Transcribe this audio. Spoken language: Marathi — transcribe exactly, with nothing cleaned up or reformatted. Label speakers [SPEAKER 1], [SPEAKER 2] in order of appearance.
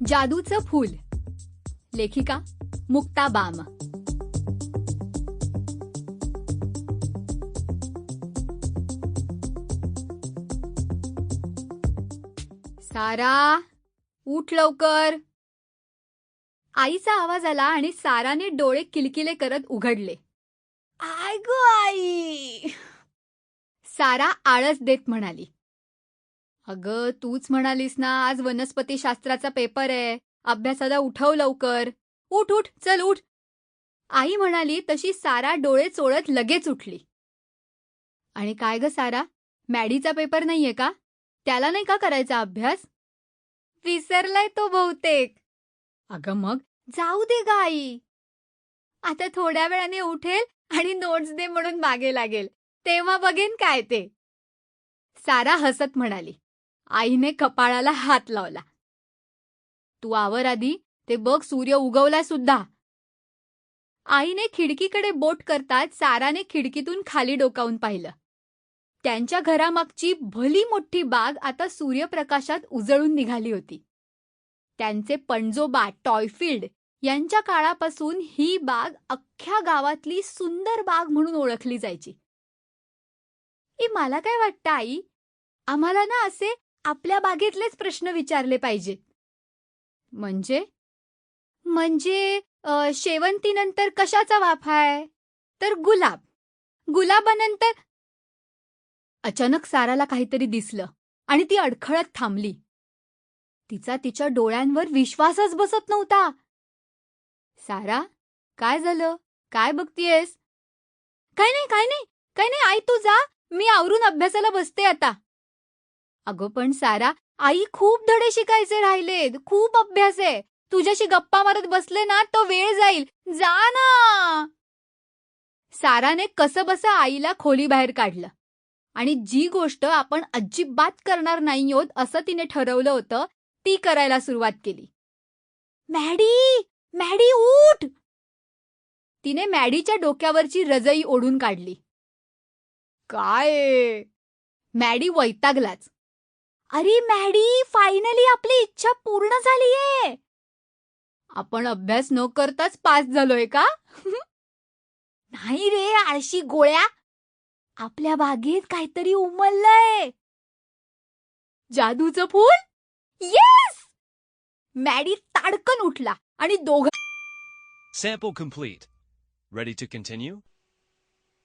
[SPEAKER 1] जादूचं फूल. लेखिका मुक्ता बाम. सारा, उठ लवकर. आईचा आवाज आला आणि साराने डोळे किलकिले करत उघडले. आय गो आई. सारा आळस देत म्हणाली, अगं तूच म्हणालीस ना आज वनस्पतीशास्त्राचा पेपर आहे, अभ्यासाला उठव लवकर. उठ उठ चल उठ. आई म्हणाली तशी सारा डोळे चोळत लगेच उठली. आणि काय ग सारा, मॅडीचा पेपर नाहीये का? त्याला नाही का करायचा अभ्यास? विसरलाय तो बहुतेक. अगं मग जाऊ दे ग आई. आता थोड्या वेळाने उठेल आणि नोट्स दे म्हणून मागे लागेल, तेव्हा बघेन काय ते. सारा हसत म्हणाली. आईने कपाळाला हात लावला. तू आवर आधी, ते बघ सूर्य उगवला सुद्धा. आईने खिडकीकडे बोट करताच साराने खिडकीतून खाली डोकावून पाहिलं. त्यांच्या घरामागची भली मोठी बाग आता सूर्यप्रकाशात उजळून निघाली होती. त्यांचे पणजोबा टॉयफिल्ड यांच्या काळापासून ही बाग अख्ख्या गावातली सुंदर बाग म्हणून ओळखली जायची. ई मला काय वाटतं आई, आम्हाला ना असे आपल्या बागेतलेच प्रश्न विचारले पाहिजेत. म्हणजे म्हणजे अ, शेवंतीनंतर कशाचा वाफा आहे? तर गुलाब. गुलाबानंतर. अचानक साराला काहीतरी दिसलं आणि ती अडखळत थांबली. तिचा तिच्या डोळ्यांवर विश्वासच बसत नव्हता. सारा, काय झालं? काय बघतीयेस? काय नाही काय नाही काय नाही आई, तू जा, मी आवरून अभ्यासाला बसते आता. अगं पण सारा, आई खूप धडे शिकायचे राहिलेत, खूप अभ्यास आहे. तुझ्याशी गप्पा मारत बसले ना तो वेळ जाईल. जा ना. साराने कसंबसं आईला खोलीबाहेर काढलं आणि जी गोष्ट आपण अजिबात करणार नाही आहोत असं तिने ठरवलं होतं ती करायला सुरुवात केली. मॅडी, मॅडी उठ. तिने मॅडीच्या डोक्यावरची रजई ओढून काढली. काय? मॅडी वैतागलाच. अरे मॅडी, फायनली आपली इच्छा पूर्ण झालीये. आपण अभ्यास न करताच पास झालोय का? नाही रे आळशी गोळ्या, आपल्या बागेत काहीतरी उमललंय. जादूचं फूल. येस. मॅडी ताडकन उठला आणि दोघं.
[SPEAKER 2] Sample complete. Ready to continue?